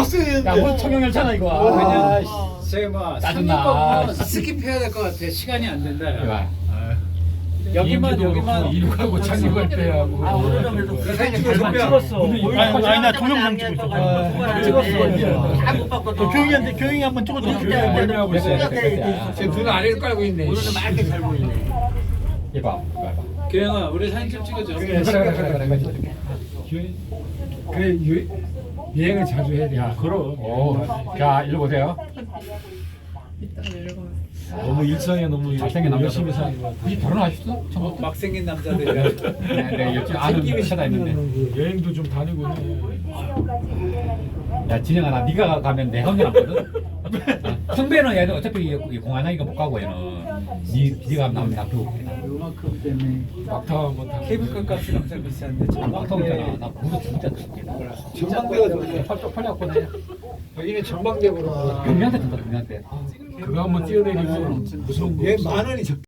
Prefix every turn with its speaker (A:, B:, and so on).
A: 버스.
B: 야, 뭐 청룡열차나 이거.
C: 그냥
B: 아,
C: 제가
B: 짜증나.
C: 스킵해야 될 것 같아. 시간이 안 된다.
B: 이거.
C: 여기만
D: 이륙하고 착륙할 때야.
E: 아 오늘은 그래도
C: 그
E: 사진
C: 사진
E: 잘
C: 찍었어.
E: 찍었어.
A: 아니, 나 동영상 찍고 있어.
E: 잘못 봤거든.
A: 교영이 한번 찍어줘.
D: 멀미하고 있어.
B: 눈
D: 아래를 깔고 있네.
E: 오늘은 맑게 잘 보이네.
B: 이봐, 이봐.
C: 교영아, 우리 사진 좀 찍어줘.
B: 그래.
D: 그래 여행을 자주 해야 돼.
B: 야, 오, 자, 일로 보세요.
D: 너무 일상에 너무
B: 잘생긴 남자
D: 열심히 사는 것 같아.
B: 혹시 결혼하셨어? 처음부터?
C: 막 생긴 남자들이야.
B: 네, 옆집 아는 찾아 있는데.
D: 여행도 좀 다니고 해.
B: 야, 진영아, 나 네가 가면 내 혼자 남거든. 성배는 얘는 어차피 이 공안하기가 못 가고 얘는 네가 가면 나면 나 두고 있다.
C: 요만큼 때문에
D: 막타 한번 타.
C: 케이블카 값이 엄청 비싼데
B: 막 더웠잖아. 나 무릎 진짜
D: 전망대가 좋네.
B: 펄쩍 펄려갖고 내
D: 여기는 전망대 보러.
B: 경미한테 든다, 경미한테.
D: 그거 한번 뛰어내리면 무서운 거.
A: 얘 10,000원이 적.